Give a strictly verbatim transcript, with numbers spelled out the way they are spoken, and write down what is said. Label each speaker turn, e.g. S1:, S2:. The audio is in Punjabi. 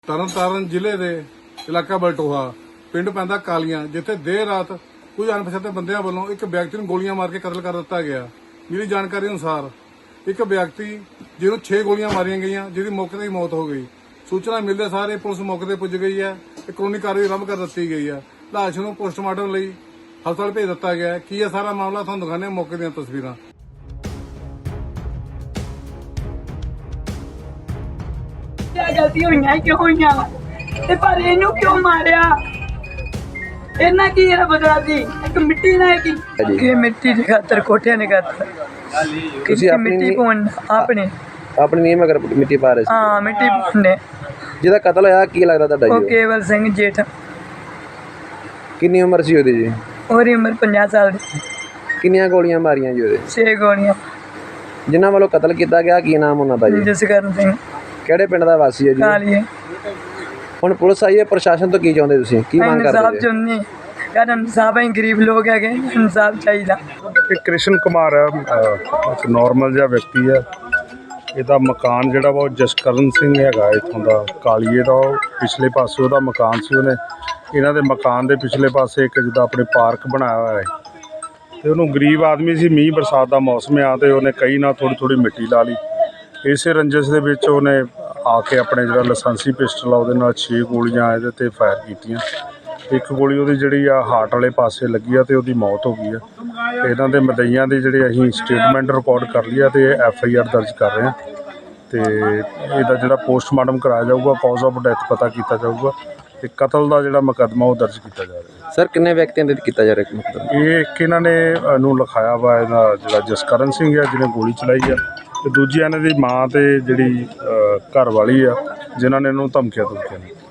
S1: ਤਰਨਤਾਰਨ ਜ਼ਿਲ੍ਹੇ ਦੇ ਇਲਾਕਾ ਬਲਟੋਹਾ ਪਿੰਡ ਪੈਂਦਾ ਕਾਲੀਆਂ, ਜਿੱਥੇ ਦੇਰ ਰਾਤ ਕੁਝ ਅਣਪਛਾਤੇ ਬੰਦਿਆਂ ਵੱਲੋਂ ਇੱਕ ਵਿਅਕਤੀ ਨੂੰ ਗੋਲੀਆਂ ਮਾਰ ਕੇ ਕਤਲ ਕਰ ਦਿੱਤਾ ਗਿਆ। ਮਿਲੀ ਜਾਣਕਾਰੀ ਅਨੁਸਾਰ ਇੱਕ ਵਿਅਕਤੀ ਜਿਹਨੂੰ ਛੇ ਗੋਲੀਆਂ ਮਾਰੀਆਂ ਗਈਆਂ, ਜਿਹਦੀ ਮੌਕੇ ਤੇ ਹੀ ਮੌਤ ਹੋ ਗਈ। ਸੂਚਨਾ ਮਿਲਦੇ ਸਾਰੇ ਪੁਲਿਸ ਮੌਕੇ ਤੇ ਪੁੱਜ ਗਈ ਹੈ ਤੇ ਕਾਨੂੰਨੀ ਕਾਰਵਾਈ ਆਰੰਭ ਕਰ ਦਿੱਤੀ ਗਈ ਹੈ। ਲਾਸ਼ ਨੂੰ ਪੋਸਟਮਾਰਟਮ ਲਈ ਹਸਪਤਾਲ ਭੇਜ ਦਿੱਤਾ ਗਿਆ ਹੈ। ਕੀ ਹੈ ਸਾਰਾ ਮਾਮਲਾ, ਤੁਹਾਨੂੰ ਦਿਖਾਉਂਦੇ ਹਾਂ ਮੌਕੇ ਦੀਆਂ ਤਸਵੀਰਾਂ।
S2: गलती हुई क्यों हुई ते पर इनू क्यों मारिया इन्ना की है बदला दी एक मिट्टी ना की के मिट्टी दी खातर कोठियां ने खातर किसी मिट्टी पाउन आपने
S3: अपने नहीं मगर मिट्टी पा रहे
S2: हां मिट्टी पाउने
S3: ਜਿਹਦਾ ਕਤਲ ਹੋਇਆ ਕੀ ਲੱਗਦਾ ਤੁਹਾਡਾ
S2: ਉਹ
S3: ਜੀ?
S2: ਕੇਵਲ ਸਿੰਘ ਜੇਠ।
S3: ਕਿੰਨੀ ਉਮਰ ਸੀ ਉਹਦੀ ਜੀ?
S2: ਉਹਦੀ ਉਮਰ ਪੰਜਾਹ ਸਾਲ ਦੀ।
S3: ਕਿੰਨੀਆਂ ਗੋਲੀਆਂ ਮਾਰੀਆਂ ਜੀ ਉਹਦੇ?
S2: ਛੇ ਗੋਲੀਆਂ।
S3: ਜਿਨ੍ਹਾਂ ਵੱਲੋਂ ਕਤਲ ਕੀਤਾ ਗਿਆ ਕੀ ਨਾਮ ਉਹਨਾਂ ਦਾ ਜੀ?
S2: ਜਸਕਰਨ ਸਿੰਘ।
S3: ਕਿਹੜੇ ਪਿੰਡ ਦਾ ਵਾਸੀ ਹੈ ਜੀ?
S2: ਕਾਲੀਏ।
S3: ਹੁਣ ਪੁਲਿਸ ਆਈ ਹੈ, ਪ੍ਰਸ਼ਾਸਨ ਤੋਂ ਕੀ ਚਾਹੁੰਦੇ ਤੁਸੀਂ, ਕੀ ਮੰਗ
S2: ਇਨਸਾਫ
S3: ਕਰਦੇ ਜੀ?
S2: ਚਾਹੁੰਦੇ ਯਾਰ, ਇਨਸਾਫ ਹੈ, ਗਰੀਬ ਲੋਕ ਹੈਗੇ, ਇਨਸਾਫ ਚਾਹੀਦਾ।
S4: ਇਹ ਕ੍ਰਿਸ਼ਨ ਕੁਮਾਰ ਹੈ, ਅਹ ਇੱਕ ਨਾਰਮਲ ਜਿਹਾ ਵਿਅਕਤੀ ਹੈ। ਇਹਦਾ ਮਕਾਨ ਜਿਹੜਾ ਵਾ ਉਹ ਜਸਕਰਨ ਸਿੰਘ ਹੈਗਾ ਇੱਥੋਂ ਦਾ ਕਾਲੀਏ ਦਾ। ਉਹ ਪਿਛਲੇ ਪਾਸੇ ਉਹਦਾ ਮਕਾਨ ਸੀ। ਉਹਨੇ ਇਹਨਾਂ ਦੇ ਮਕਾਨ ਦੇ ਪਿਛਲੇ ਪਾਸੇ ਇੱਕ ਜਿੱਦਾਂ ਆਪਣੇ ਪਾਰਕ ਬਣਾਇਆ ਹੋਇਆ ਹੈ ਅਤੇ ਉਹਨੂੰ ਗਰੀਬ ਆਦਮੀ ਸੀ, ਮੀਂਹ ਬਰਸਾਤ ਦਾ ਮੌਸਮ ਆ ਅਤੇ ਉਹਨੇ ਕਈ ਨਾਲ ਥੋੜ੍ਹੀ ਥੋੜ੍ਹੀ ਮਿੱਟੀ ਲਾ ਲਈ। ਇਸੇ ਰੰਜਿਸ਼ ਦੇ ਵਿੱਚ ਉਹਨੇ ਆ ਕੇ ਆਪਣੇ ਜਿਹੜਾ ਲਾਇਸੈਂਸੀ ਪਿਸਟਲ ਆ ਉਹਦੇ ਨਾਲ ਛੇ ਗੋਲੀਆਂ ਇਹਦੇ 'ਤੇ ਫਾਇਰ ਕੀਤੀਆਂ। ਇੱਕ ਗੋਲੀ ਉਹਦੀ ਜਿਹੜੀ ਆ ਹਾਰਟ ਵਾਲੇ ਪਾਸੇ ਲੱਗੀ ਆ ਅਤੇ ਉਹਦੀ ਮੌਤ ਹੋ ਗਈ ਆ। ਅਤੇ ਇਹਨਾਂ ਦੇ ਮਦਈਆਂ ਦੀ ਜਿਹੜੇ ਅਸੀਂ ਸਟੇਟਮੈਂਟ ਰਿਕਾਰਡ ਕਰ ਲਈ ਆ ਅਤੇ ਐਫ ਆਈ ਆਰ ਦਰਜ ਕਰ ਰਹੇ ਹਾਂ ਅਤੇ ਇਹਦਾ ਜਿਹੜਾ ਪੋਸਟਮਾਰਟਮ ਕਰਾਇਆ ਜਾਊਗਾ, ਕਾਜ਼ ਆਫ ਡੈਥ ਪਤਾ ਕੀਤਾ ਜਾਊਗਾ ਅਤੇ ਕਤਲ ਦਾ ਜਿਹੜਾ ਮੁਕੱਦਮਾ ਉਹ ਦਰਜ ਕੀਤਾ ਜਾ ਰਿਹਾ।
S3: ਸਰ ਕਿੰਨੇ ਵਿਅਕਤੀਆਂ ਦੇ ਕੀਤਾ ਜਾ ਰਿਹਾ ਮਤਲਬ?
S4: ਇਹ ਇੱਕ ਇਹਨਾਂ ਨੇ ਅ, ਨੂੰ ਲਿਖਾਇਆ ਵਾ, ਇਹਦਾ ਜਿਹੜਾ ਜਸਕਰਨ ਸਿੰਘ ਆ ਜਿਹਨੇ ਗੋਲੀ ਚਲਾਈ ਆ, ਅਤੇ ਦੂਜੀ ਇਹਨਾਂ ਦੀ ਮਾਂ ਅਤੇ ਜਿਹੜੀ ਅ, ਘਰ ਵਾਲੀ ਆ ਜਿਨ੍ਹਾਂ ਨੇ ਇਹਨੂੰ ਧਮਕੀਆਂ ਧਮਕੀਆਂ